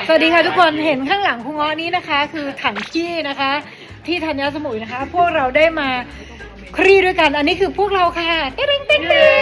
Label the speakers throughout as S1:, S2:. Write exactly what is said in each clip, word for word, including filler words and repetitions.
S1: สวัสดีค่ะทุกคนเห็นข้างหลังคุณง้อนี้นะคะคือถังขี้นะคะที่ธัญสมุยนะคะพวกเราได้มาคลี่ด้วยกันอันนี้คือพวกเราค่ะเต้งเต้งเต้ง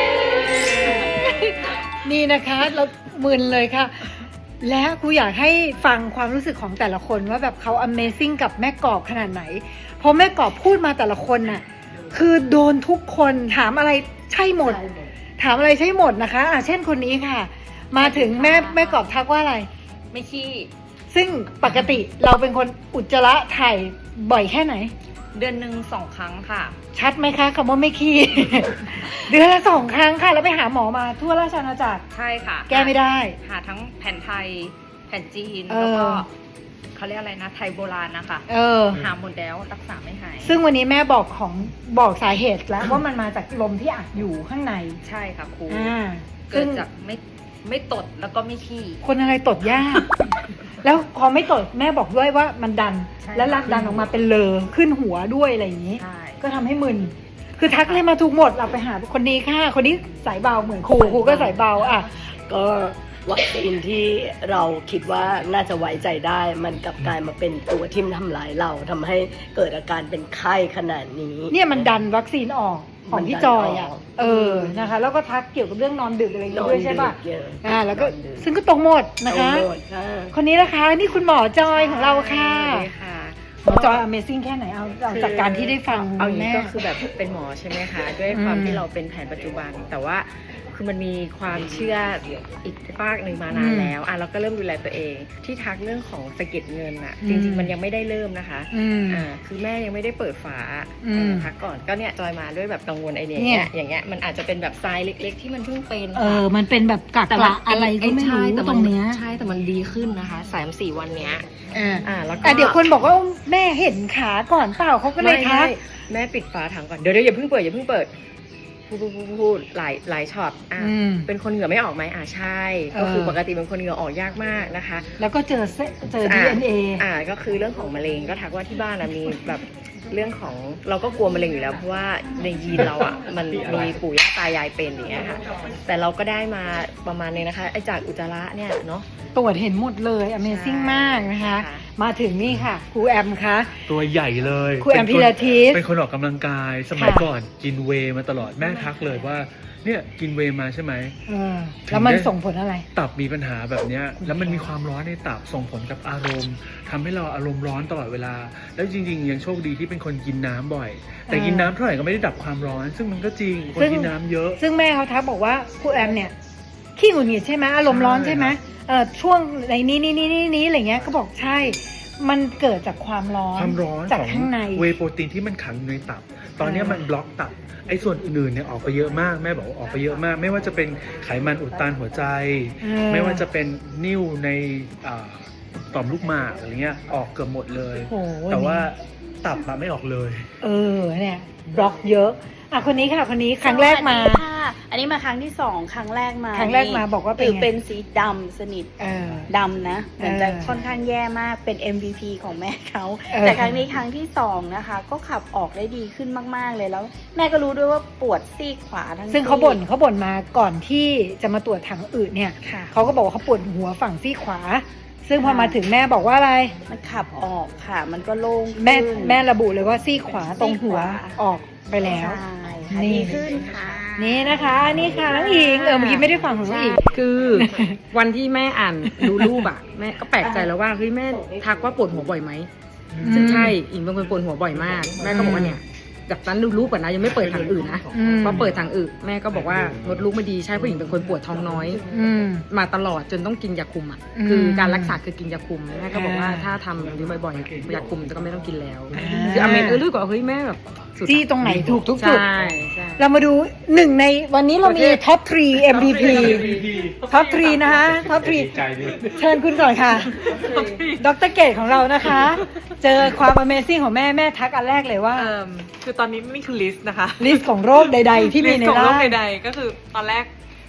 S1: นี่นะคะเรามึนเลยค่ะและครูอยากให้ฟังความรู้สึกของแต่ละคนว่าแบบเขา Amazing กับแม่กอบขนาดไหนเพราะแม่กอบพูดมาแต่ละคนน่ะคือโดนทุกคนถามอะไรใช่หมดถามอะไรใช่หมดนะคะอ่ะเช่นคนนี้ค่ะมาถึงแม่แม่กอบทักว่าอะไร
S2: ไม่ขี้
S1: ซึ่งปกติเราเป็นคนอุจจาระถ่ายบ่อยแค่ไหน
S2: เดือนหนึ่งสองครั้งค่ะ
S1: ชัดไหมคะคำว่าไม่ขี้ เดือนละสองครั้งค่ะแล้วไปหาหมอมาทั่วราชอาณาจักร
S2: ใช่ค่ะ
S1: แก้ไม่ได้
S2: หาทั้งแผนไทยแผนจีนแล้วก็เขาเรียกอะไรนะไทยโบราณนะคะเออหาหมดแล้วรักษาไม่หาย
S1: ซึ่งวันนี้แม่บอกของบอกสาเหตุแล้วว่ามันมาจากลมที่อัดอยู่ข้างใน
S2: ใช่ค่ะครู
S1: เกิ
S2: ดจากไม่ไม่ตดแล้วก็ไม่ขี้
S1: คนอะไรตดยาก แล้วพอไม่ตดแม่บอกด้วยว่ามันดันแล้วรักดันออกมาเป็นเลอขึ้นหัวด้วยอะไรอย่างนี้ก็ทำให้มึนคือทักเลยมาถูกหมดเราไปหาคนนี้ค่ะคนนี้สายเบาเหมือนครูครูก็สายเบาอ่ะ
S3: ก็วัคซีนที่เราคิดว่าน่าจะไว้ใจได้มันกลับกลายมาเป็นตัวที่ทำลายเราทำให้เกิดอาการเป็นไข้ขนาดนี้
S1: เนี่ยมันดันวัคซีนออกของพี่จอยอ่ะเออนะคะแล้วก็ทักเกี่ยวกับเรื่องนอนดึกอะไรอย่างเงี้ยด้วยใช่ป่ะอ่าแล้วก็ซึ่งก็ตรงหมดนะคะคนนี้นะคะนี่คุณหมอจอยของเราค่ะหมอจอย Amazing แค่ไหนเอาจากการที่ได้ฟัง
S4: เอาอย่างนี้ก็คือแบบเป็นหมอใช่ไหมคะด้วยความที่เราเป็นแผนปัจจุบันแต่ว่าคือมันมีความเชื่ออีกฝากหนึ่งมานานแล้วอ่ะเราก็เริ่มดูแลตัวเองที่ทักเรื่องของสะเก็ดเงินอ่ะจริงๆมันยังไม่ได้เริ่มนะคะอ่าคือแม่ยังไม่ได้เปิดฝาทักก่อนก็เนี่ยจอยมาด้วยแบบกังวลไอเนี้ยอย่างเงี้ยมันอาจจะเป็นแบบทรายเล็กๆที่มันเพิ่งเป็น
S1: เออมันเป็นแบบกักกะอะไรก็ไม่รู้ตรงเนี้ย
S4: ใช่แต่มันดีขึ้นนะคะสามสี่วันเนี้ย
S1: อ่าแล้วก็เดี๋ยวคนบอกว่าแม่เห็นขาก่อนเปล่าเขาก็เลยทัก
S4: แม่ปิดฝาถังก่อนเดี๋ยวเดี๋ยวอย่าเพิ่งเปิดอย่าเพิ่งเปิดพูดพูดพูดหลายหลายช็อตอ่ะเป็นคนเหงื่อไม่ออกไหมอ่ะใช่ก็คือปกติเป็นคนเหงื่อออกยากมากนะคะ
S1: แล้วก็เจอเจอ ดี เอ็น เอ
S4: อ่าก็คือเรื่องของมะเร็งก็ทักว่าที่บ้านมีแบบเรื่องของเราก็กลัวมะเร็งอยู่แล้วเพราะว่าในยีนเราอ่ะมันมีปู่ย่าตายายเป็นอย่างเงี้ยค่ะแต่เราก็ได้มาประมาณนึงนะคะไอ้จากอุจจาระเนี่ยเนาะ
S1: ตรวจเห็นหมดเลย Amazing มากนะคะมาถึงนี่ค่ะครูแอมคะ
S5: ตัวใหญ่เลย
S1: ครูแอมพิลาทิส
S5: เป็นคนออกกำลังกายสมัยก่อนกินเวย์มาตลอดแม่ทักเลยว่าเนี่ยกินเวย์มาใช่ไหม
S1: เออแล้วมันส่งผลอะไร
S5: ตับมีปัญหาแบบเนี้ยแล้วมันมีความร้อนในตับส่งผลกับอารมณ์ทำให้เราอารมณ์ร้อนตลอดเวลาแล้วจริงๆยังโชคดีที่เป็นคนกินน้ำบ่อยแต่กินน้ำเท่าไหร่ก็ไม่ได้ดับความร้อนซึ่งมันก็จริงคนกินน้ำเยอะ
S1: ซึ่งแม่เขาทักบอกว่าครูแอมเนี่ยขี้หงุดหงิดใช่ไหมอารมณ์ร้อนใช่ไหมเออช่วงในนี้นี้นี้นี้นี้อะไรเงี้ยก็บอกใช่มันเกิดจากความร้อน
S5: ความร้อน
S1: จากข้างใน
S5: เวย์โปรตีนที่มันขังในตับตอนนี้มันบล็อกตับไอ้ส่วนอื่นๆเนี่ยออกไปเยอะมากแม่บอกว่าออกไปเยอะมากไม่ว่าจะเป็นไขมันอุดตันหัวใจไม่ว่าจะเป็นนิ่วในต่อมลูกหมากอะไรเงี้ยออกเกือบหมดเลยแต่ว่าตับอะไม่ออกเลย
S1: เออเนี่ยบล็อกเยอะอ่ะคนนี้ค่ะคนนี้ครั้งแรกมา
S6: อันนี้มาครั้งที่สองครั้งแรกมา
S1: ครั้งแรกมาบอกว่าเป็น
S6: เป็นสีดำสนิทดำนะเหมือนจะค่อนข้างแย่มากเป็น เอ็ม วี พี ของแม่เขาแต่ครั้งนี้ครั้งที่สองนะคะก็ขับออกได้ดีขึ้นมากๆเลยแล้วแม่ก็รู้ด้วยว่าปวดซีกขวาทั้ง
S1: ซึ่งเขาบ่นเขาบ่นมาก่อนที่จะมาตรวจถังอืดเนี่ยเขาก็บอกว่าเขาปวดหัวฝั่งซีกขวาซึ่งพอมาถึงแม่บอกว่าอะไร
S6: มันขับออกค่ะมันก็โล่ง
S1: แม่แม่ระบุเลยว่าซีกขวาตรงหัวออกไปแล้ว
S6: ดีขึ้นค่ะ
S1: นี่นะคะนี่ค่ะน้องอิงเออเมื่อกี้ไม่ได้ฟังของน้องอิง
S4: คือวันที่แม่อ่านดูรูปอ่ะแม่ก็แปลกใจแล้วว่าเฮ้ยแม่ทักว่าปวดหัวบ่อยไหมซึ่งใช่อิงเป็นคนปวดหัวบ่อยมากแม่ก็บอกว่าเนี่ยจากนั้นดูรูปก่อนนะยังไม่เปิดทางอื่นนะพอเปิดทางอื่นแม่ก็บอกว่ามดลูกไม่ดีใช่ผู้หญิงเป็นคนปวดท้องน้อยมาตลอดจนต้องกินยาคุมอ่ะคือการรักษาคือกินยาคุมแม่ก็บอกว่าถ้าทำแบบนี้บ่อยๆยาคุมก็ไม่ต้องกินแล้วคืออเมนเออรู้กว่าเฮ้ยแม่แบบ
S1: จี้ตรงไหนถูกทุกจุดเรามาดูหนึ่งในวันนี้เรามีท็อปทรี เอ็ม วี พี ท็อปทรีนะคะท็อปทรีเชิญคุณก่อนค่ะดร.เกตของเรานะคะเจอความ Amazing ของแม่แม่ทักอันแรกเลยว่า
S7: คือตอนนี้นี่คือลิสต์นะคะ
S1: ลิสต์ของโรคใดๆที่มีในร่าง
S7: ลิสต์ของโรคใดๆก็คือตอนแรก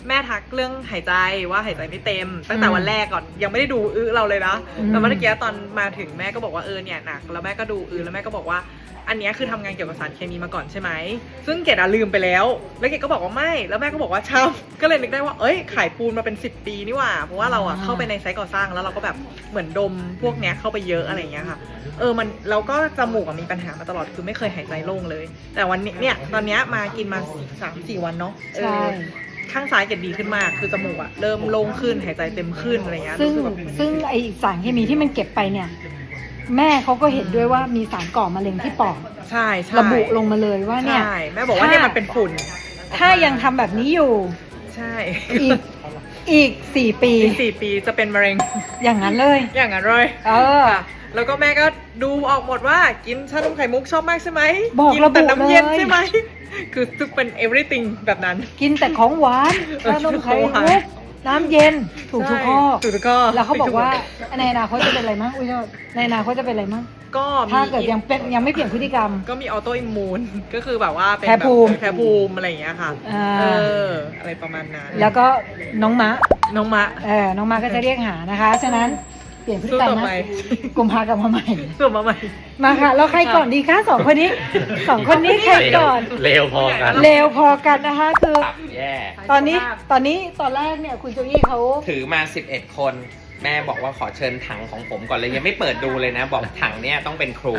S7: แม่ทักเรื่องหายใจว่าหายใจไม่เต็ม ตั้งแต่วันแรกก่อนยังไม่ได้ดูอื้อเราเลยนะ
S1: อืม
S7: แต่เมื่อกี้ตอนมาถึงแม่ก็บอกว่าเออเนี่ยหนักแล้วแม่ก็ดูอื้อแล้วแม่ก็บอกว่าอันเนี้ยคือทำงานเกี่ยวกับสารเคมีมาก่อนใช่ไหมซึ่งเกดอะลืมไปแล้วแล้วเกดก็บอกว่าไม่แล้วแม่ก็บอกว่าช่ำก็เลยนึกได้ว่าเอ้ยขายปูนมาเป็นสิบปีนี่หว่าเพราะว่าเราอะเข้าไปในไซต์ก่อสร้างแล้วเราก็แบบเหมือนดมพวกเนี้ยเข้าไปเยอะอะไรอย่างเงี้ยค่ะเออมันเราก็จมูกอะมีปัญหามาตลอดคือไม่เคยหายใจโล่งเลย แต่วันนี้เนี่ยตอนเนี้ยมากินมาสามสี่วันเนาะเออ
S1: ใช่
S7: ข้างซ้ายเกดดีขึ้นมากคือจมูกอะเริ่มโล่งขึ้นหายใจเต็มขึ้นอะไรเงี้ย
S1: ซึ่ง
S7: รู้สึกแบบ
S1: ซึ่งไอสารเคมีที่มันเก็บไปเนี่ย แม่เขาก็เห็นด้วยว่ามีสารก่อมะเร็งที่ปอด
S7: ใช่ใช่
S1: ระบุลงมาเลยว่าเนี่ย
S7: ใช่แม่บอกว่าเนี่ยมันเป็นฝุ่น
S1: ถ้ายังทำแบบนี้อยู่
S7: ใช่
S1: อีกอีกสี่ปี
S7: อีกสี่ปีจะเป็นมะเร็ง
S1: อย่างนั้นเลย
S7: อย่างนั้นเลย
S1: เออ
S7: ค่ะแล้วก็แม่ก็ดูออกหมดว่ากินชานมไข่มุกชอบมากใช่ไหม
S1: บอก
S7: กิ
S1: ระบุ
S7: แต่น้ำเย็น
S1: เลย
S7: ใช่ไหมคือทุกเป็น everything แบบนั้น
S1: กินแต่ของหวานชานมไข่มุกน้ำเย็นถูกทุกข้อ
S7: ถูกทุกข้อ
S1: แล้วเขาบอกว่าในอนาคตจะเป็นอะไรมั้งอุ้ยโทษในอนาคตจะเป็นอะไรมั้ง
S7: ก็มี
S1: ถ้าเกิดยังเป็นยังไม่เปลี่ยนพฤติกรรม
S7: ก็มีออโตอิมมูนก็คือแบบว่าเป็น
S1: แพ้ภูมิ
S7: แบบแพ้ภูมิอะไรอย่างเงี้ยค่ะ
S1: อ่า
S7: เอออะไรประมาณนั้น
S1: แล้วก็น้องมะ
S7: น้องมะ
S1: เออน้องมะก็จะเรียกหานะคะ ฉะนั้นเปลี่ยนพฤติ
S7: สู้
S1: กรรม
S7: ต่อ
S1: นะ
S7: ไป
S1: กุมภากลับมาใหม่
S7: สู้มาใหม่
S1: มาค่ะ แล้วใครก่อนดีคะสองคนนี้สองคนนี้ใครก่อน
S8: เร็วพอกัน
S1: เร็วพอกันนะคะคือ
S8: ตับแย่
S1: ตอนนี้ตอนนี้ตอนแรกเนี่ยคุณโจอี้เขา
S8: ถือมาสิบเอ็ดคน แม่บอกว่าขอเชิญถังของผมก่อนเลยยังไม่เปิดดูเลยนะ บอกถังเนี่ยต้องเป็นครู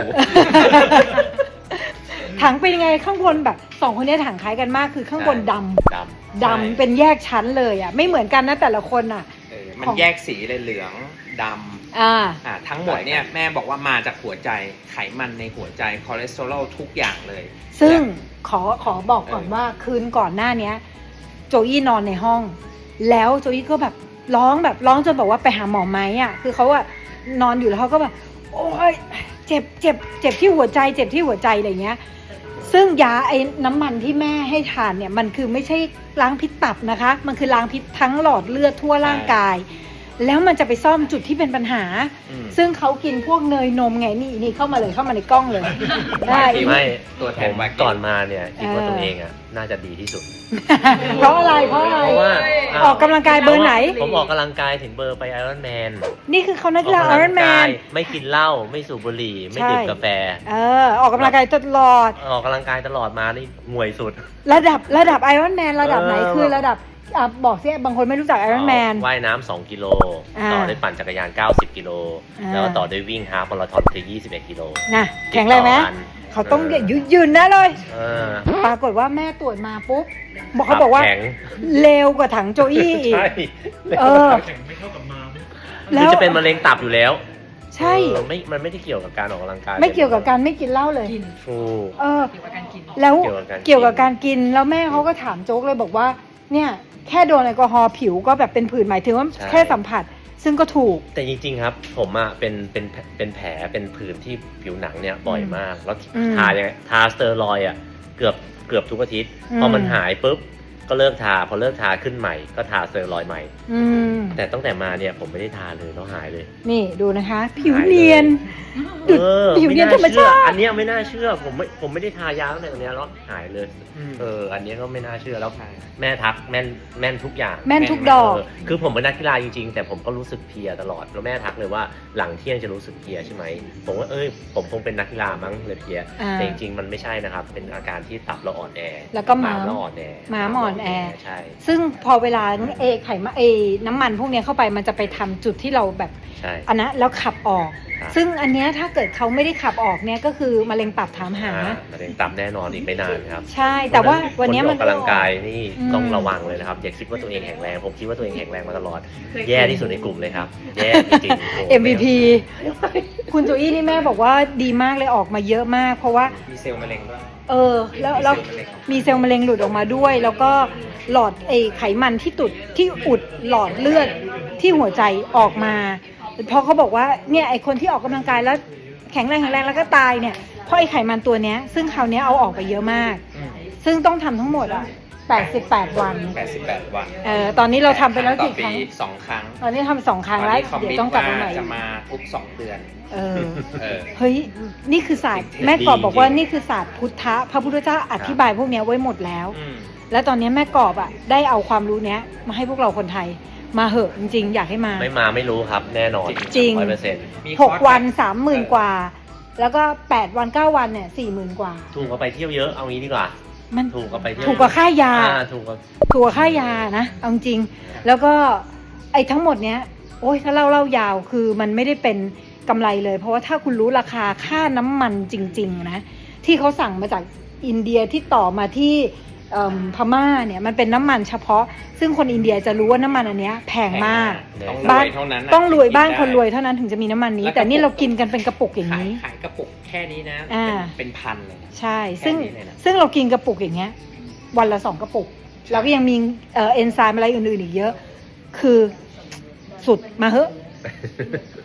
S1: ถังเป็นยังไงข้างบนแบบสองคนนี้ถังคล้ายกันมากคือข้างบนดำ
S8: ดำ
S1: ดำเป็นแยกชั้นเลยอ่ะไม่เหมือนกันนะแต่ละคนอ่ะ
S8: เออมัน
S1: ของ
S8: แยกสีเลยเหลืองดำ
S1: อ่า
S8: อ่าทั้งหมดเนี่ยแม่บอกว่ามาจากหัวใจไขมันในหัวใจคอเลสเตอรอลทุกอย่างเลย
S1: ซึ่ง
S8: และ
S1: ขอขอบอกก่อน
S8: เออ
S1: ว่าคืนก่อนหน้าเนี้ย โจอี้นอนในห้อง แล้วโจอี้ก็แบบร้องแบบร้องจนบอกว่าไปหาหมอไหมอ่ะคือเขาอะนอนอยู่แล้วเขาก็แบบโอ้ยเจ็บเจ็บเจ็บที่หัวใจ เจ็บที่หัวใจอะไรเงี้ย ซึ่งยาไอ้น้ำมันที่แม่ให้ทานเนี่ยมันคือไม่ใช่ล้างพิษตับนะคะ มันคือล้างพิษทั้งหลอดเลือดทั่วร่างกาย แล้วมันจะไปซ่อมจุดที่เป็นปัญหา
S8: อืม
S1: ซึ่งเขากินพวกเนยนมไงนี่นี่เข้ามาเลยเข้ามาในกล้องเลย ได้
S8: ไม่ตัวแท
S9: ผ
S8: น
S9: ม
S8: มา
S9: ก่อนมาเนี่ยคิดว่า
S1: เออ
S9: ตัวเองอ่ะน่าจะดีที่สุด
S1: เพราะอะไรเพราะอะไร
S9: เพราะว่า
S1: ออกกำลังกายเบอร์ไหน
S9: ผมออกกำลังกายถึงเบอร์ไปไอรอนแมน
S1: นี่คือเขานักกีฬาไอรอนแมน
S9: ไม่กินเหล้าไม่สูบบุหรี่ ไม่
S1: ใช่
S9: ดื่มกาแฟ
S1: เออออกกำลังกายตลอด
S9: ออกกำลังกายตลอดมานี่ห่วยสุด
S1: ระดับระดับไอรอนแมนระดับไหน
S9: เออ
S1: คือระดับอ่ะบอกสิบางคนไม่รู้จักไอรอนแมน
S9: ว่ายน้ำสองกิโล
S1: อ่า
S9: ต่อด้วยปั่นจักรยานเก้าสิบกิโล
S1: อ่า
S9: แล้วก็ต่อด้วยวิ่งฮาล์ฟมาราธอนคือยี่สิบเอ็ดกิโล
S1: นะแข็งแรงไหม
S9: ติดต่อกัน
S1: เขาต้อง
S9: เออ
S1: ยืนยืนนะเลย
S9: เออ
S1: ปรากฏว่าแม่ตรวจมาปุ๊บบอกเขาบอกว่า
S9: แข็ง
S1: เร็วกว่าถังโจอี้อีก
S9: ใช่
S1: เออ
S5: ไม่เท่ากับมา
S1: แล้
S9: คือ
S1: ว
S9: จะเป็นมะเร็งตับอยู่แล้ว
S1: ใช่
S9: เออไม่มันไม่ได้เกี่ยวกับการออกกำลังกาย
S1: ไม่เกี่ยวกับการไม่กินเหล้าเลย
S9: ถูก
S1: เออ
S2: เกี่ยวกับการกิน
S1: แล้ว
S9: เกี่ยวกับการกิน
S1: เกี่ยวกับการกินแล้วแม่เขาก็ถามโจ๊กเลยบอกว่า เนี่ยแค่โดนแอลกอฮอล์ผิวก็แบบเป็นผื่นหมายถึงว่าแค่สัมผัส ซึ่งก็ถูก
S9: แต่จริงๆครับผมอะเป็นเป็นเป็นแผลเป็นผื่นที่ผิวหนังเนี่ยบ่อยมาก แล้ว
S1: อืม
S9: ทายังไงทาสเตอรอยด์อะเกือบเกือบทุกอาทิตย์
S1: อืม
S9: พอมันหายปุ๊บก็เลิกทาพอเลิกทาขึ้นใหม่ก็ทาสเตอรอยด์ใหม่
S1: อืม
S9: แต่ตั้งแต่มาเนี่ยผมไม่ได้ทาเลยแล้วหายเลย
S1: นี่ดูนะคะ ผิวเนียน ดุด
S9: เออ
S1: ผิวเนียนธรรม
S9: ไน่เชื่
S1: ชา
S9: อ
S1: ติ
S9: อันเนี้ยไม่น่าเชื่อผมไม่ผมไม่ได้ทายาตั้งแต่ตรงเนี้ยแล้วหายเลย เอออันเนี้ยก็ไม่น่าเชื่อแล้วแม่ทักแม่นแม่นทุกอย่าง
S1: แม่นทุกดอก
S9: เคือผมเป็นนักกีฬาจริงๆ แต่ผมก็รู้สึกเพลียตลอดแล้วแม่ทักเลยว่าหลังเที่ยงจะรู้สึกเพลียใช่ไหมผมว่าเอ้ยผมคงเป็นนักกีฬามั้งเลยเพลีย
S1: อ่า
S9: แต่จริงๆมันไม่ใช่นะครับ เป็นอาการที่ตับเราอ่อนแอ
S1: แล้วก็ม้าม
S9: เราอ่อนแอ
S1: ม้ามอ่อนแอ
S9: ใช่
S1: ซึ่งพอเวลาเอไขมันเอน้ำมันพวกเนี้ยเข้าไปมันจะไปทำจุดที่เราแบบ
S9: ใช่
S1: อันนั้นแล้วขับออก
S9: ครับ
S1: ซึ่งอันเนี้ยถ้าเกิดเขาไม่ได้ขับออกเนี่ยก็คือมะเร็งตับถามหา
S9: อ่มะเร็งตับแน่นอนอีกไม่นานครับ
S1: ใช่ แต่ว่าวันเนี้ย
S9: ค
S1: มัน
S9: ที่ออกกำลังกายนี่
S1: อืม
S9: ต้องระวังเลยนะครับอย่าคิดว่าตัวเองแข็งแรงผมคิดว่าตัวเองแข็งแรงมาตลอด แย่ที่สุดในกลุ่มเลยครับ แย่จริงๆโอ้โห
S1: เอ็ม วี พี คุณโจอี้นี่แม่บอกว่าดีมากเลยออกมาเยอะมาก เพราะว่า
S8: มีเซลล์มะเร็งด้วย
S1: เออแล้วแล้วมีเซลล์มะเร็งหลุดออกมาด้วย แล้วก็หลอดไอไขมันที่ตุดที่อุดหลอดเลือดที่หัวใจออกมาเพราะเขาบอกว่าเนี่ยไอคนที่ออกกำลังกายแล้วแข็งแรงแข็งแรงแล้วก็ตายเนี่ยเพราะไอไขมันตัวเนี้ยซึ่งคราวเนี้ยเอาออกไปเยอะมาก ซึ่งต้องทำทั้งหมดอ่ะแปดสิบแปดวัน
S8: แปดสิบแปดวัน
S1: เออตอนนี้เราทำไปแล้วกี่ครั้ง
S8: ต่อปีสองครั้ง
S1: ตอนนี้ทำสองครั้งแล้ว
S8: ตอนนี้
S1: เดี๋ยวต้องกลับมาใหม่
S8: จะมาทุกสองเดือน
S1: เออ
S8: เออ
S1: เฮ้ย นี่คือศาสตร์
S8: จริงๆ
S1: แม่กอบบอกว่า
S8: จริงๆ
S1: นี่คือศาสตร์พุทธะ พระพุทธเจ้าอธิบายพวกเนี้ยไว้หมดแล้ว
S8: อืม
S1: แล้วตอนนี้แม่กอบอ่ะได้เอาความรู้เนี้ยมาให้พวกเราคนไทยมาเหอะจริงๆอยากให้มา
S9: ไม่มาไม่รู้ครับแน่นอน
S1: จริง
S9: ร้อยเปอร์เซ็นต์
S8: มี
S1: ห
S8: ค
S1: ก
S8: อร์ส
S1: วัน
S8: แบบ
S1: สามหมื่นกว่า แล้วก็แปดวันเก้าวันเนี่ยสี่หมื่นกว่า
S9: ถูกกว่าไปเที่ยวเยอะเอางี้ดีกว่า
S1: มัน
S9: ถูกกว่าไปเที่ยว
S1: ถูกกว่าค่ายา
S9: อ่ถูกกว่า
S1: ถูกกว่าค่ายานะเอาจริงๆแล้วก็ไอ้ทั้งหมดเนี้ยโอ้ยถ้าเล่าเล่ายาวคือมันไม่ได้เป็นกำไรเลย เพราะว่าถ้าคุณรู้ราคาค่าน้ำมันจริงๆนะที่เขาสั่งมาจากอินเดียที่ต่อมาที่เอิ่มพม่าเนี่ยมันเป็นน้ำมันเฉพาะ ซึ่งคนอินเดียจะรู้ว่าน้ำมันอันเนี้ยแพงมาก
S8: ต้องร
S1: บ้า
S8: วน ยเท่านั้นน่ะ
S1: ต้องรวยบ้าน
S8: กิได้
S1: คนรวยเท่านั้นถึงจะมีน้ำมันนี้
S8: แล้ว
S1: แต่นี่
S8: กระปุก
S1: เรากินกันเป็นกระปุกอย่าง
S8: ขาย
S1: นี้
S8: ขายกระปุกแค่นี้นะ
S1: อ่า
S8: เป็นเป็นพันเลยนะ
S1: ใช่ ซึ่ง
S8: แค่นี้เลยนะ
S1: ซึ่งเรากินกระปุกอย่างเงี้ย วันละสองกระปุก แล้วก็ยังมีเอ่อเอนไซม์อะไรอื่นๆอีกเยอะ คือสุดมาเหอะ